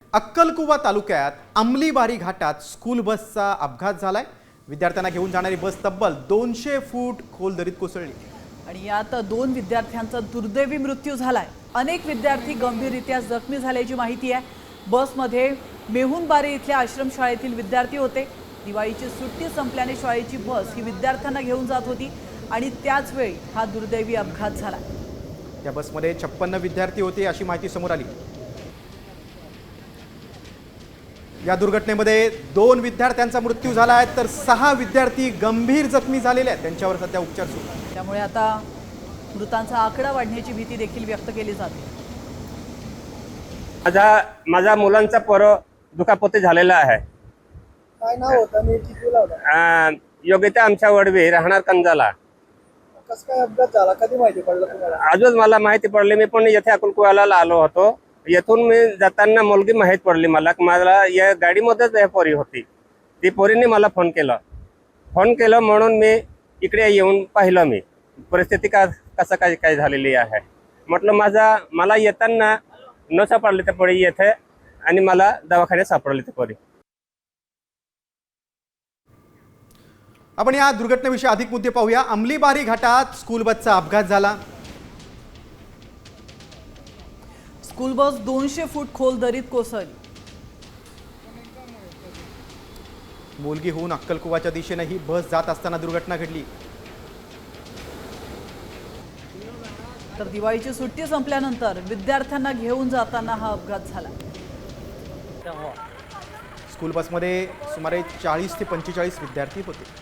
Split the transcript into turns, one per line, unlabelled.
अक्कलकुवा तालुक्यात अंमलीबारी घाटात स्कूल बसचा अपघात झालाय। विद्यार्थ्यांना घेऊन जाणारी बस तब्बल 200 फूट खोल दरीत कोसळली
आणि यात 2 विद्यार्थ्यांचा दुर्दैवी मृत्यू झालाय। अनेक विद्यार्थी गंभीररीत्या जखमी झाल्याची माहिती आहे। बसमध्ये मेहुणबारी इथल्या आश्रमशाळेतील विद्यार्थी होते। दिवाळीची सुट्टी संपल्याने शाळेची बस ही विद्यार्थ्यांना घेऊन जात होती आणि त्याच वेळी हा दुर्दैवी अपघात झाला।
या बसमध्ये 56 विद्यार्थी होते अशी माहिती समोर आली। या दुर्घटनेमध्ये 2 विद्यार्थ्यांचा मृत्यू झाला आहे तर 6 विद्यार्थी गंभीर जखमी झालेले आहेत। त्यांच्यावर सध्या उपचार सुरू आहेत।
त्यामुळे आता मृतांचा आकडा वाढण्याची भीती देखील व्यक्त केली जाते।
माझ्या मुलांचा दुखापती झालेला आहे।
काय नाव होतं आणि किती लावला?
योग्यता आमच्या वडवी राहणार कंजाला।
कसं काय अपघात झाला, कधी माहिती पडलं तुम्हाला?
आजच मला माहिती पडली। मी पण येथे अक्कलकुवाला आलो होतो। येथून मी जाताना मुलगी माहीत पडली मला या गाडीमध्येच हे पोरी होती। ती पोरीने मला फोन केलं म्हणून मी इकडे येऊन पाहिलं। मी परिस्थिती कसं काय झालेली आहे म्हटलं। मला येताना न सापडली ते पोरी येथे आणि मला दवाखान्यात सापडली ते पोरी।
आपण या दुर्घटनेविषयी अधिक मुद्दे पाहूया। अंमलीबारी घाटात स्कूल बसचा अपघात झाला।
स्कूल बस 200 फूट खोल दरीत कोसळली।
मुलगीहून अक्कलकुवाच्या दिशेने ही बस जात असताना दुर्घटना घडली।
तर दिवाळीची सुट्टी संपल्यानंतर विद्यार्थ्यांना घेऊन जाताना हा अपघात झाला।
स्कूल बसमध्ये सुमारे 40 ते 45 विद्यार्थी होते।